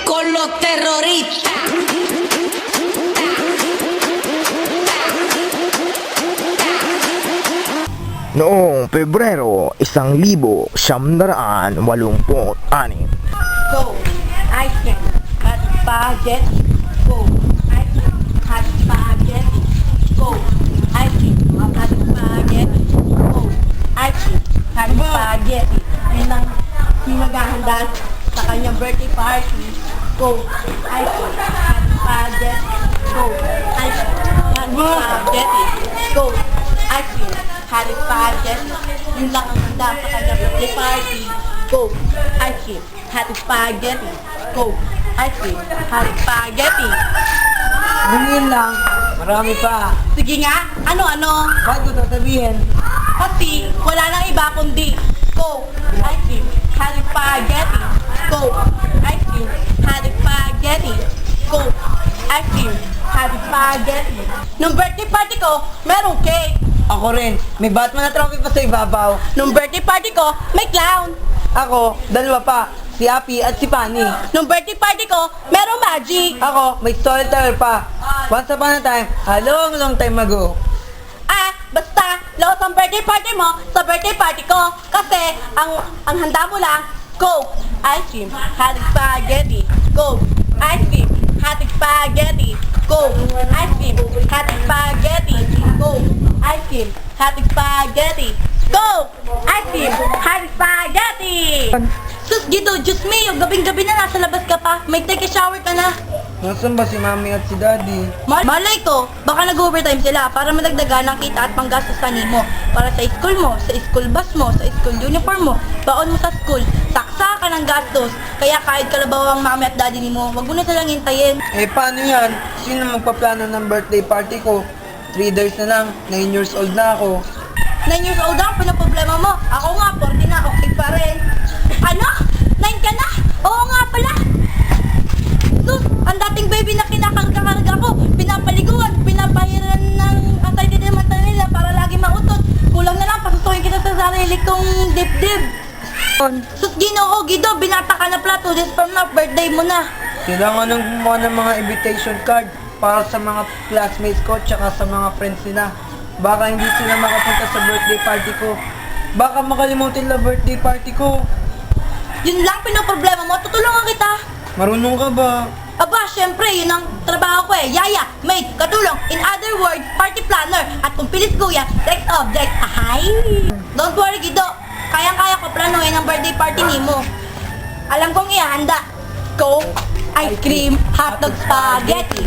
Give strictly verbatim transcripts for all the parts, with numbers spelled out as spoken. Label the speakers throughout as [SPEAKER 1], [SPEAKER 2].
[SPEAKER 1] con los terroristas.
[SPEAKER 2] Noong Pebrero, isang libo siyam daraan walumput anim.
[SPEAKER 3] Go, I can cut spaghetti. Go, I can cut spaghetti. Go, I can cut spaghetti. Go, I can cut spaghetti. Yun ang maghahanda sa kanyang birthday party. Go, I can cut spaghetti. Go, I can cut spaghetti. Go, I can cut spaghetti. Yun lang ang handa sa kanyang birthday party. Go, I can cut spaghetti. Go, I can cut spaghetti.
[SPEAKER 4] Ganyan lang. Marami pa.
[SPEAKER 3] Sige nga, ano-ano?
[SPEAKER 4] Bakit ko sasabihin?
[SPEAKER 3] Kasi wala nang iba kundi go, I can cut spaghetti. Go, I can cut spaghetti. Go, I can cut spaghetti. Nung birthday party ko, merong cake.
[SPEAKER 4] Ako rin. May Batman na trophy pa sa ibabaw.
[SPEAKER 3] Nung birthday party ko, may clown.
[SPEAKER 4] Ako, dalawa pa. Si Api at si Pani.
[SPEAKER 3] Nung birthday party ko, merong magic.
[SPEAKER 4] Ako, may storyteller pa. Once upon a time, a long, long time ago.
[SPEAKER 3] Ah, basta, laos ang birthday party mo sa birthday party ko. Kasi, ang ang handa mo lang, go, ice cream, hot spaghetti. Go, ice cream, hot spaghetti. Go, ice cream, hot spaghetti. Go, ice cream, hot spaghetti. Go, ice cream, hot spaghetti. Sus, Gito, Diyos mio, gabing-gabi na nasa labas ka pa. May take a shower ka na.
[SPEAKER 4] Nasaan ba si Mami at si Daddy?
[SPEAKER 3] Mal malay ko, baka nag-overtime sila para madagdagan ng kita at panggastosan mo. Para sa school mo, sa school bus mo, sa school uniform mo, baon mo sa school, taksa ka ng gastos. Kaya kahit kalabaw ang mami at daddy ni mo, wag mo na silang hintayin.
[SPEAKER 4] Eh, paano yan? Sino magpaplano ng birthday party ko? Three days na lang. Nine years old na ako.
[SPEAKER 3] Nine years old na, pinaproblema mo. Ako nga, forty na, okay pa rin. Ano? Nine ka na? Oo nga pala. Sus, ang dating baby na kinakarga-karga ko, pinapaliguan, pinapahiran ng aside naman nila para lagi mautot. Kulang na lang, pasusukin kita sa sarili kong dibdib. Sus, Ginoo, Gido, binata ka na pala, two days from now, birthday mo na.
[SPEAKER 4] Kailangan nang gumawa ng mga invitation card para sa mga classmates ko tsaka sa mga friends nila. Baka hindi sila makapunta sa birthday party ko. Baka makalimutin na birthday party ko.
[SPEAKER 3] Yun lang pinoproblema mo, tutulungan kita.
[SPEAKER 4] Marunong ka ba?
[SPEAKER 3] Aba, syempre, yun ang trabaho ko eh. Yaya, mate, katulong, in other words, party planner. At kung pilis kuya, sex object. Ahay! Don't worry, Gido. Kayang-kaya ko planuhin ang birthday party ni mo. Alam kong ihanda. Coke, ice cream, hotdog, spaghetti.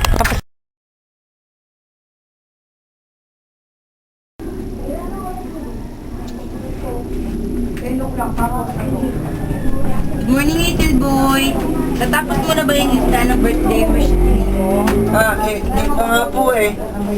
[SPEAKER 3] Good morning, little boy. Natapos mo na ba yung lista ng birthday wish mo?
[SPEAKER 4] Ah, eh, di pa nga po eh.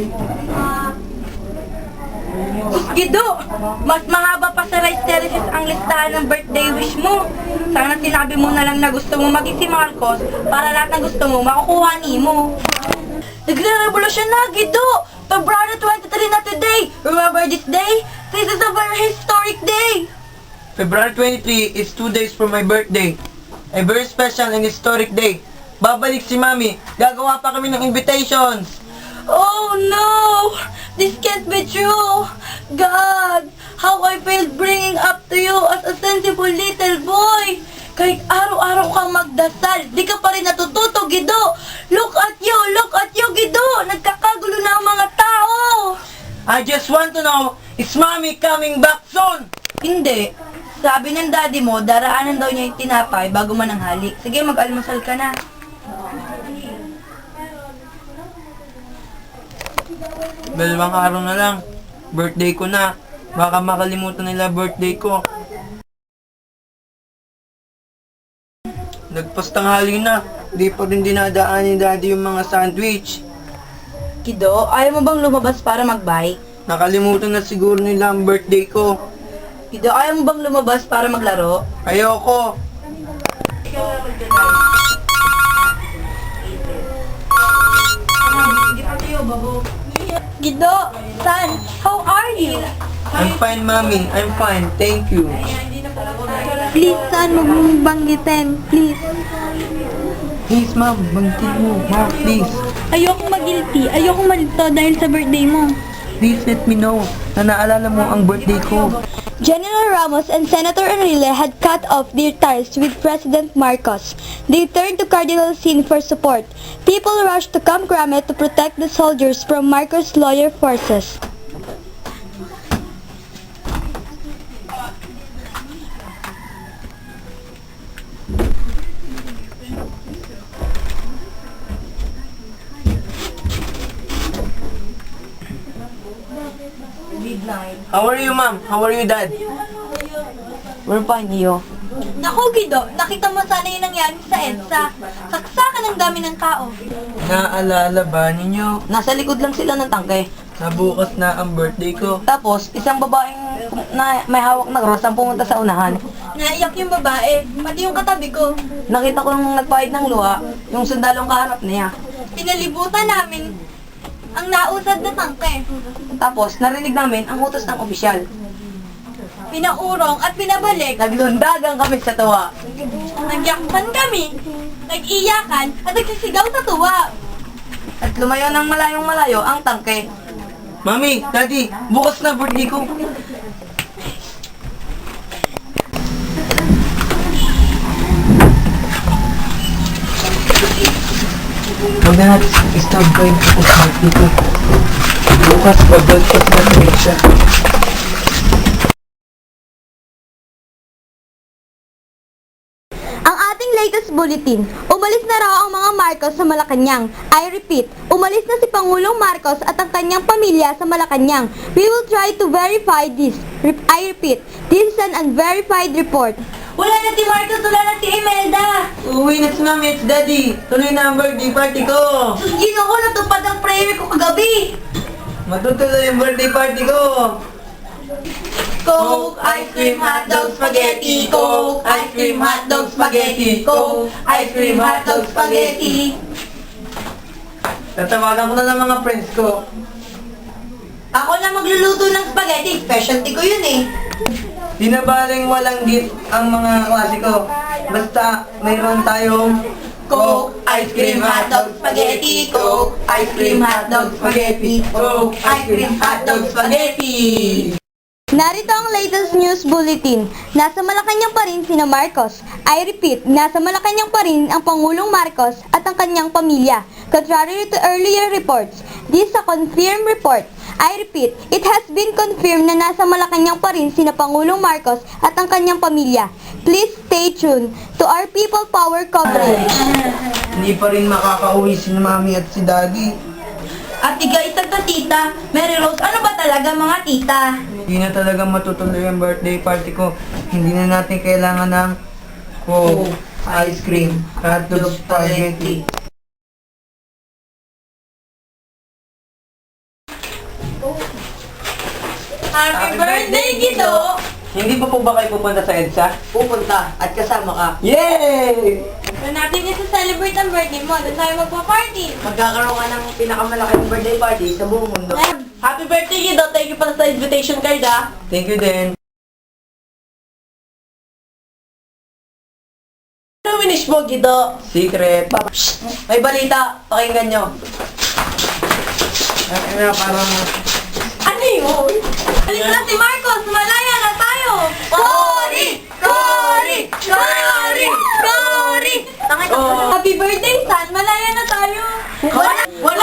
[SPEAKER 3] Gido, mas mahaba pa sa rice terraces ang listahan ng birthday wish mo. Sana sinabi mo na lang na gusto mo maging si Marcos para lahat ng gusto mo makukuha ni mo. Nagre-revolusyon na, Gido! February twenty-three na today! Remember this day? This is a very historic day!
[SPEAKER 4] February twenty-third is two days from my birthday. A very special and historic day. Babalik si Mami. Gagawa pa kami ng invitations.
[SPEAKER 3] Oh no! This can't be true! God! How I failed bringing up to you as a sensible little boy! Kahit araw-araw kang magdasal, di ka pa rin natututo, Gido! Look at you! Look at you, Gido! Nagkakagulo na ang mga tao!
[SPEAKER 4] I just want to know, is Mami coming back soon?
[SPEAKER 3] Hindi. Sabi ng daddy mo, daraanan daw niya yung tinapay bago mananghali. Sige, mag-almusal ka na.
[SPEAKER 4] Dalawang araw na lang. Birthday ko na. Baka makalimutan nila birthday ko. Nagpastanghali na. Di pa rin dinadaan ni Daddy yung mga sandwich.
[SPEAKER 3] Gido, ayaw mo bang lumabas para mag-bike?
[SPEAKER 4] Nakalimutan na siguro nila ang birthday ko.
[SPEAKER 3] Gido, ayaw mo bang lumabas para maglaro?
[SPEAKER 4] Ayoko.
[SPEAKER 3] Gido, son, how are you?
[SPEAKER 4] I'm fine, Mami. I'm fine. Thank you.
[SPEAKER 3] Please, son, huwag mong banggitin. Please.
[SPEAKER 4] Please, ma'am. Bantin mo. Ma'am, please.
[SPEAKER 3] Ayokong mag-guilty. Ayokong malito dahil sa birthday mo.
[SPEAKER 4] Please let me know na naalala mo ang birthday ko.
[SPEAKER 5] General Ramos and Senator Enrile had cut off their ties with President Marcos. They turned to Cardinal Sin for support. People rushed to Camp Grame to protect the soldiers from Marcos' lawyer forces.
[SPEAKER 4] How are you, ma'am? How are you, dad? We're fine, iyo.
[SPEAKER 5] Naku, Gido, nakita mo sana yung nangyari sa EDSA. Saksakan ang dami ng tao.
[SPEAKER 4] Naalala ba ninyo?
[SPEAKER 1] Nasa likod lang sila ng tangke.
[SPEAKER 4] Na bukas na ang birthday ko.
[SPEAKER 1] Tapos, isang babaeng na may hawak na cross ang pumunta sa unahan.
[SPEAKER 5] Naiyak yung babae, pati yung katabi ko.
[SPEAKER 1] Nakita ko nung nagpahid ng luha, yung sundalong kaharap niya.
[SPEAKER 5] Pinalibutan namin ang nausad na tangke.
[SPEAKER 1] Tapos, narinig namin ang utos ng opisyal.
[SPEAKER 5] Pinaurong at pinabalik.
[SPEAKER 1] Naglundagan kami sa tuwa.
[SPEAKER 5] Nagyakpan kami, nag-iyakan at nagsisigaw sa tuwa.
[SPEAKER 1] At lumayo ng malayong malayo ang tangke.
[SPEAKER 4] Mami, daddy, bukas na birthday ko. Huwag na natin i-stop ko yung birthday ko. Bukas, babagkas na rin siya.
[SPEAKER 5] Ang ating latest bulletin, umalis na raw ang mga Marcos sa Malacanang. I repeat, umalis na si Pangulong Marcos at ang kanyang pamilya sa Malacanang. We will try to verify this. Re- I repeat, this is an unverified report. Wala na si Marcos, wala na si Imelda.
[SPEAKER 4] Uwi na si mami at si daddy. Tuloy na ang birthday party ko.
[SPEAKER 5] Sus, Ginoo, natupad ang prayer ko kagabi.
[SPEAKER 4] Matutuloy yung birthday party ko.
[SPEAKER 5] Coke, ice cream, hotdog, spaghetti. Coke, ice cream, hotdog, spaghetti. Coke, ice cream, hotdog, spaghetti.
[SPEAKER 4] Tatawagan ko na ng mga friends ko.
[SPEAKER 5] Ako na magluluto ng spaghetti, specialty ko yun eh.
[SPEAKER 4] Di na baling walang gift ang mga klase ko. Basta mayroon tayong
[SPEAKER 5] Coke, ice cream, hotdog, spaghetti. Coke, ice cream, hotdog, spaghetti. Coke, ice cream, hotdog, spaghetti. Narito ang latest news bulletin. Nasa Malacanang pa rin sina Marcos. I repeat, nasa Malacanang pa rin ang Pangulong Marcos at ang kanyang pamilya. Contrary to earlier reports, this is a confirmed report. I repeat, it has been confirmed na nasa Malacanang pa rin sina Pangulong Marcos at ang kanyang pamilya. Please stay tuned to our People Power coverage.
[SPEAKER 4] hindi pa rin makakauwi si mami at si daddy.
[SPEAKER 5] At tiga-itag na tita, Mary Rose, ano ba talaga mga tita?
[SPEAKER 4] Hindi na talaga matutuloy ang birthday party ko. Hindi na natin kailangan ng Coke, ice cream, hotdog, spaghetti.
[SPEAKER 5] Happy birthday, Gido!
[SPEAKER 4] Hindi pa po ba kayo pupunta sa EDSA?
[SPEAKER 1] Pupunta at kasama ka.
[SPEAKER 4] Yay!
[SPEAKER 5] Doon natin niya celebrate ang birthday mo, doon tayo magpa-party.
[SPEAKER 1] Magkakaroon ka ng pinakamalaking birthday party sa buong mundo.
[SPEAKER 3] Happy birthday, Gido. Thank you pala sa invitation card, ah.
[SPEAKER 4] Thank you din.
[SPEAKER 3] Ano winish mo, Gido?
[SPEAKER 4] Secret.
[SPEAKER 1] May balita, pakinggan nyo.
[SPEAKER 4] Ay, na, parang...
[SPEAKER 3] Ano yun?
[SPEAKER 5] Alis na si Marcos, malaya na tayo! Cory! Cory! Cory! Cory!
[SPEAKER 3] Oh.
[SPEAKER 5] Happy birthday, son! Malaya na tayo!
[SPEAKER 3] Wala, wala